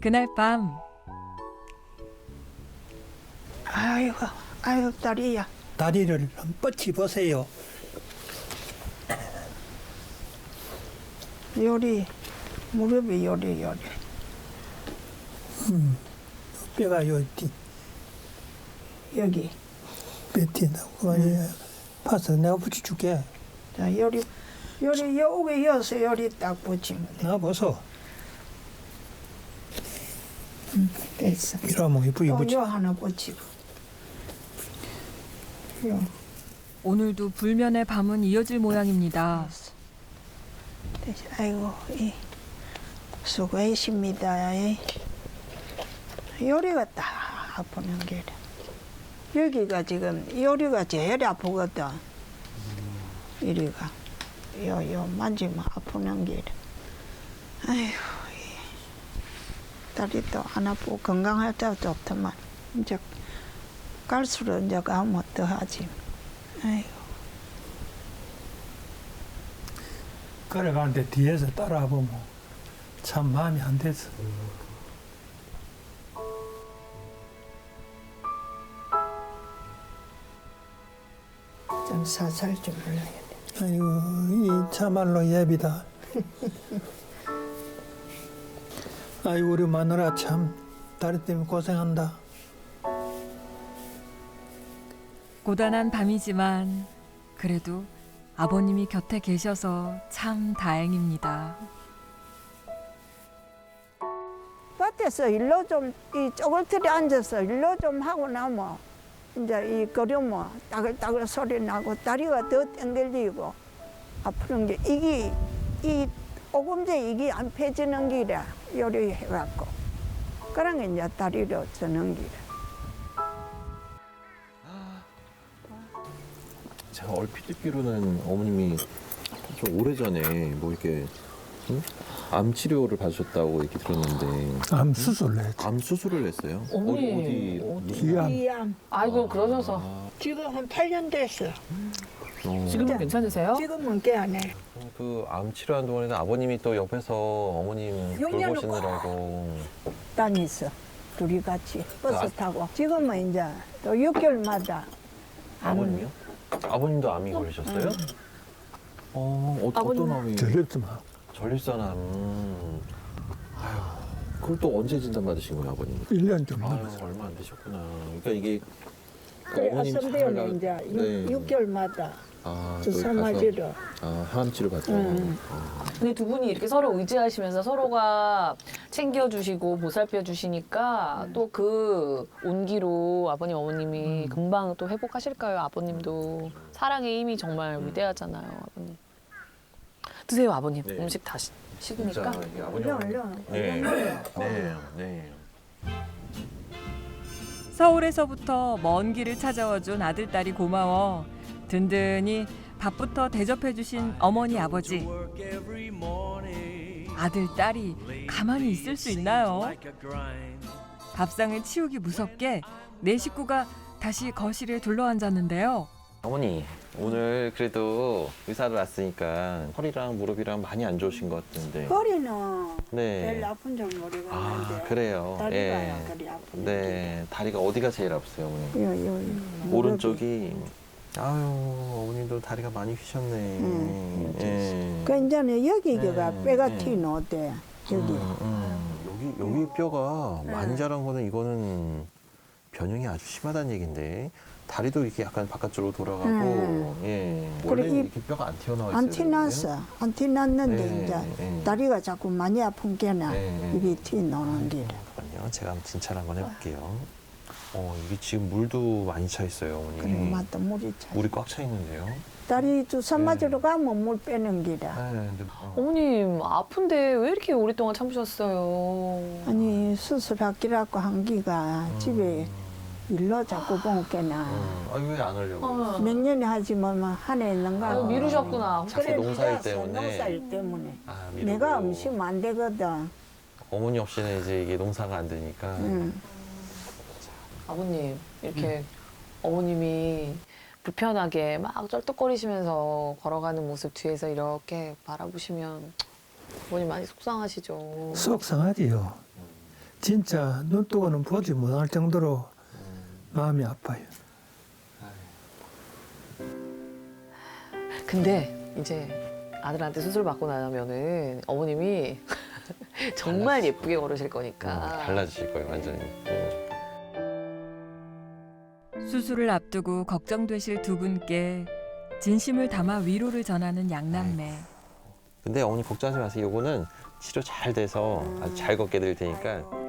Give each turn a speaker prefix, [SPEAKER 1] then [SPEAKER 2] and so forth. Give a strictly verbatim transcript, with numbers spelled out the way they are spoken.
[SPEAKER 1] 그날 밤
[SPEAKER 2] 아이고, 아이고 다리야.
[SPEAKER 3] 다리를 뻗치 보세요.
[SPEAKER 2] 요리, 무릎이 요리 요리.
[SPEAKER 3] 음, 뼈가 여기
[SPEAKER 2] 여기.
[SPEAKER 3] 뱉힌다고. 그만 파서 내가 붙여줄게.
[SPEAKER 2] 자, 요리, 요리 여기 이어서 요리 딱 붙이면 돼.
[SPEAKER 3] 나 보소.
[SPEAKER 2] 됐어.
[SPEAKER 3] 이러면 이쁘게
[SPEAKER 2] 또
[SPEAKER 3] 붙여.
[SPEAKER 2] 요 하나 붙이고. 요.
[SPEAKER 1] 오늘도 불면의 밤은 이어질 모양입니다.
[SPEAKER 2] 됐어. 아이고, 이 수고하십니다. 이. 요리가 딱 아프는 게 여기가 지금 요리가 제일 아프거든. 이리가 요요 만지면 아프는 게 아이고 이 다리도 안 아프고 건강할 때 좋더만 이제 갈수록 이제 가면 더 하지. 아이고
[SPEAKER 3] 걸어가는데 뒤에서 따라와 보면 참 마음이 안 돼서.
[SPEAKER 2] 좀 살살 좀 올라야 돼.
[SPEAKER 3] 아이고, 이 참말로 예비다. 아이고, 우리 마누라 참 다리 때문에 고생한다.
[SPEAKER 1] 고단한 밤이지만 그래도 아버님이 곁에 계셔서 참 다행입니다.
[SPEAKER 2] 밭에서 일로 좀 이 쪼글틀에 앉아서 일로 좀 하고 나면 이제 이 걸으면 따글따글 소리 나고 다리가 더 땡글리고 아프는 게 이게 이 오금제 이게 안 펴지는 기라 요리해갖고 그런 게 이제 다리로 저는 기라.
[SPEAKER 4] 제가 얼핏 듣기로는 어머님이 좀 오래전에 뭐 이렇게 응? 암 치료를 받으셨다고 얘기 들었는데
[SPEAKER 3] 암 수술을 했지.
[SPEAKER 4] 암 수술을 했어요?
[SPEAKER 5] 어머니,
[SPEAKER 4] 어디, 어디 무슨
[SPEAKER 3] 기암.
[SPEAKER 2] 이암
[SPEAKER 5] 아이고 그러셔서
[SPEAKER 4] 아,
[SPEAKER 2] 지금 한 팔 년 됐어.
[SPEAKER 4] 어.
[SPEAKER 5] 지금은 괜찮으세요?
[SPEAKER 2] 지금은 꽤 안 해.
[SPEAKER 4] 그 암 치료하는 동안에는 아버님이 또 옆에서 어머님
[SPEAKER 2] 용량을
[SPEAKER 4] 돌보시느라고
[SPEAKER 2] 다녔어. 둘이 같이 버스
[SPEAKER 4] 아.
[SPEAKER 2] 타고. 지금은 이제 또 육 개월마다
[SPEAKER 4] 아버님이요? 아버님도 암이 걸리셨어요? 어, 어
[SPEAKER 5] 아버님.
[SPEAKER 4] 어떤 암이?
[SPEAKER 3] 들렸지만.
[SPEAKER 4] 전립선암. 아유, 그걸 또 언제 진단 받으신 거예요, 아버님?
[SPEAKER 3] 일 년 좀
[SPEAKER 4] 아유,
[SPEAKER 3] 넘었어.
[SPEAKER 4] 얼마 안 되셨구나. 그러니까 이게
[SPEAKER 2] 그래,
[SPEAKER 4] 어머님
[SPEAKER 2] 아선대원에
[SPEAKER 4] 잘
[SPEAKER 2] 이제
[SPEAKER 4] 나-
[SPEAKER 2] 육
[SPEAKER 4] 네.
[SPEAKER 2] 육 개월마다
[SPEAKER 4] 아,
[SPEAKER 2] 주사
[SPEAKER 4] 또 가서-
[SPEAKER 2] 맞으러.
[SPEAKER 4] 아, 항암 치료 받죠.
[SPEAKER 2] 음.
[SPEAKER 4] 어.
[SPEAKER 5] 근데 두 분이 이렇게 서로 의지하시면서 서로가 챙겨주시고 보살펴주시니까 또 그 온기로 아버님 어머님이 금방 또 회복하실까요? 아버님도 사랑의 힘이 정말 위대하잖아요, 아버님. 드세요, 아버님.
[SPEAKER 4] 네.
[SPEAKER 5] 음식 다 시-
[SPEAKER 4] 진짜
[SPEAKER 5] 식으니까.
[SPEAKER 4] 이게 아버님.
[SPEAKER 2] 얼른 얼른.
[SPEAKER 4] 네,
[SPEAKER 2] 얼른
[SPEAKER 4] 네, 네.
[SPEAKER 1] 서울에서부터 먼 길을 찾아와준 아들딸이 고마워 든든히 밥부터 대접해주신 어머니 아버지. 아들딸이 가만히 있을 수 있나요? 밥상을 치우기 무섭게 네 식구가 다시 거실에 둘러앉았는데요.
[SPEAKER 4] 어머니, 오늘 그래도 의사를 왔으니까 허리랑 무릎이랑 많이 안 좋으신 것 같은데.
[SPEAKER 2] 허리는
[SPEAKER 4] 네.
[SPEAKER 2] 제일 아픈 줄 모르겠는데.
[SPEAKER 4] 아, 그래요.
[SPEAKER 2] 다리가
[SPEAKER 4] 예.
[SPEAKER 2] 그리 아픈.
[SPEAKER 4] 네, 다리가 어디가 제일 아프세요, 어머니?
[SPEAKER 2] 요, 요, 요.
[SPEAKER 4] 오른쪽이. 아유, 어머님도 다리가 많이 휘셨네.
[SPEAKER 2] 음,
[SPEAKER 4] 예.
[SPEAKER 2] 그 이제는 여기가
[SPEAKER 4] 네,
[SPEAKER 2] 뼈가
[SPEAKER 4] 네.
[SPEAKER 2] 튀노대. 여기.
[SPEAKER 4] 음, 음. 여기 여기 뼈가 많이 자란 거는 이거는 변형이 아주 심하다는 얘긴데 다리도 이렇게 약간 바깥쪽으로 돌아가고
[SPEAKER 2] 음.
[SPEAKER 4] 예 원래
[SPEAKER 2] 그래, 이-
[SPEAKER 4] 이렇게 뼈가 안 튀어나와 있어요.
[SPEAKER 2] 안 티났어. 안 티났는데
[SPEAKER 4] 네,
[SPEAKER 2] 이제
[SPEAKER 4] 네.
[SPEAKER 2] 다리가 자꾸 많이 아픈 게나
[SPEAKER 4] 네.
[SPEAKER 2] 이게 튀노는 게.
[SPEAKER 4] 잠깐만요. 제가 한번 진찰 한번 해볼게요. 어 이게 지금 물도 많이 차 있어요, 어머니.
[SPEAKER 2] 그리고 맞다 물이 차.
[SPEAKER 4] 물이 꽉 차 있는데요.
[SPEAKER 2] 다리 주사
[SPEAKER 4] 네.
[SPEAKER 2] 맞으러 가면 물 빼는 기라.
[SPEAKER 4] 네, 근데, 어.
[SPEAKER 5] 어머님, 아픈데 왜 이렇게 오랫동안 참으셨어요?
[SPEAKER 2] 아니 수술하기라고 한 기가
[SPEAKER 4] 음.
[SPEAKER 2] 집에 일로 자꾸 본게나
[SPEAKER 4] 음. 아니 왜안 하려고?
[SPEAKER 5] 어.
[SPEAKER 2] 몇 년에 하지만 한해 있는가.
[SPEAKER 5] 아유, 미루셨구나.
[SPEAKER 4] 자꾸 농사일
[SPEAKER 2] 그래,
[SPEAKER 4] 때문에.
[SPEAKER 2] 농사일 때문에.
[SPEAKER 4] 아, 미루고.
[SPEAKER 2] 내가 음식 안 되거든.
[SPEAKER 4] 어머니 없이는 이제 이게 농사가 안 되니까.
[SPEAKER 2] 응.
[SPEAKER 5] 아버님, 이렇게 어머님이 불편하게 막 쩔뚝거리시면서 걸어가는 모습 뒤에서 이렇게 바라보시면 어머님 많이 속상하시죠.
[SPEAKER 3] 속상하지요. 진짜 눈 뜨고는 보지 못할 정도로 마음이 아파요.
[SPEAKER 5] 근데 이제 아들한테 수술 받고 나면은 어머님이 정말 예쁘게 걸으실 거니까.
[SPEAKER 4] 음, 달라지실 거예요, 완전히. 네.
[SPEAKER 1] 수술을 앞두고 걱정되실 두 분께 진심을 담아 위로를 전하는 양남매.
[SPEAKER 4] 근데 어머니 걱정하지 마세요. 요거는 치료 잘 돼서 아주 잘 걷게 될 테니까